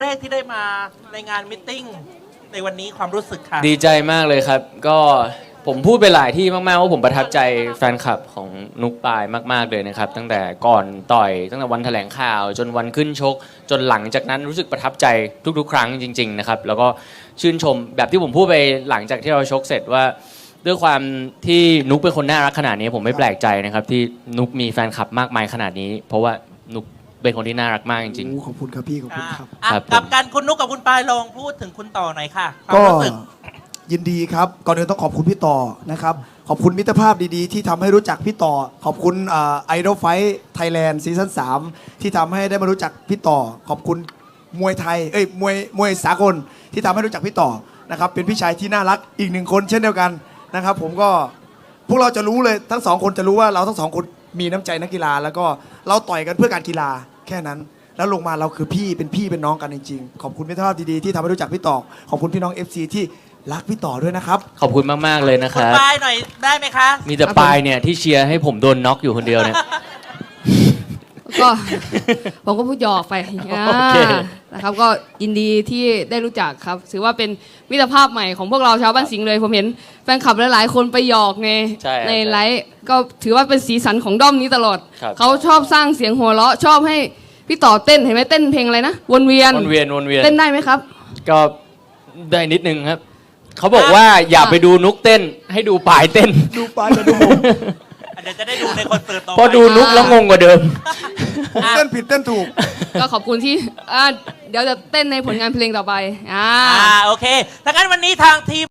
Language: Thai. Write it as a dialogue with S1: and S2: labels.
S1: แรกที่ได้มาในงานมิทติ้งในวันนี้ความรู้สึกค่ะ
S2: ดีใจมากเลยครับ ก็ผมพูดไปหลายที่มากๆว่าผมประทับใจแฟนคลับของนุกปายมากๆเลยนะครับตั้งแต่ก่อนต่อยตั้งแต่วันแถลงข่าวจนวันขึ้นชกจนหลังจากนั้นรู้สึกประทับใจทุกๆครั้งจริงๆนะครับแล้วก็ชื่นชมแบบที่ผมพูดไปหลังจากที่เราชกเสร็จว่าด้วยความที่นุกเป็นคนน่ารักขนาดนี้ผมไม่แปลกใจนะครับที่นุกมีแฟนคลับมากมายขนาดนี้ เพราะว่านุกเป็นคนที่น่ารักมากจริง
S3: ขอบคุณครับพี่ขอบคุณครับ
S1: อ่ะ
S2: ครับ
S1: กับการคุณนุกกับคุณปายลองพูดถึงคุณต่อหน่อยค่ะความ
S3: ก็
S1: รู้สึก
S3: ยินดีครับก่อนอื่นต้องขอบคุณพี่ต่อนะครับขอบคุณมิตรภาพดีๆ ที่ทำให้รู้จักพี่ต่อขอบคุณไอดอลไฟท์ไทยแลนด์ซีซั่น3ที่ทำให้ได้มารู้จักพี่ต่อขอบคุณมวยไทยมวยสากลที่ทำให้รู้จักพี่ต่อนะครับเป็นพี่ชายที่น่ารักอีกหนึ่งคนเช่นเดียวกันนะครับผมก็พวกเราจะรู้เลยทั้งสองคนจะรู้ว่าเราทั้งสองคนมีน้ำใจนักกีฬาแล้วก็เราต่อยกันเพื่อการกีฬาแค่นั้น แล้วลงมาเราคือพี่เป็นน้องกันจริงๆขอบคุณมิตรภาพดีๆที่ทำให้รู้จักพี่ต่อขอบคุณพี่น้อง FC ที่รักพี่ต่อด้วยนะครับ
S2: ขอบคุณมากๆเลยนะค
S1: คุณ
S2: รับ
S1: ปายหน่อยได้ไหมคะ
S2: มีแต่ปายเนี่ยที่เชียร์ให้ผมโดนน็อกอยู่คนเดียวเนี่ย
S4: ก็ ผมก็พูดหยอกไป
S2: โอเค
S4: นะครับก็ยินดีที่ได้รู้จักครับถือว่าเป็นมิตรภาพใหม่ของพวกเราชาวบ้านสิงห์เลยผมเห็นแฟนคลับหลายๆคนไปหยอกในไลฟ์ก็ถือว่าเป็นสีสันของด้อมนี้ตลอด
S2: ครับ
S4: เขาชอบสร้างเสียงหัวเราะชอบให้พี่ต่อเต้นเห็นไหมเต้นเพลงอะไรนะวนเวียน
S2: วนเวียน
S4: เต้นได้ไหมครับ
S2: ก็ได้นิดนึงครับเขาบอกว่าอย่าไปดูนุกเต้นให้ดูปายเต้น
S3: ดูปลายกับดูผม
S1: เดี๋ยวจะได้ดูในคอนเสิร์ตต่อไป
S2: เพราะดูนุกแล้วงงกว่าเดิม
S3: เต้นผิดเต้นถูก
S4: ก็ขอบคุณที่เดี๋ยวจะเต้นในผลงานเพลงต่อไป
S1: โอเคถ้างั้นวันนี้ทางทีม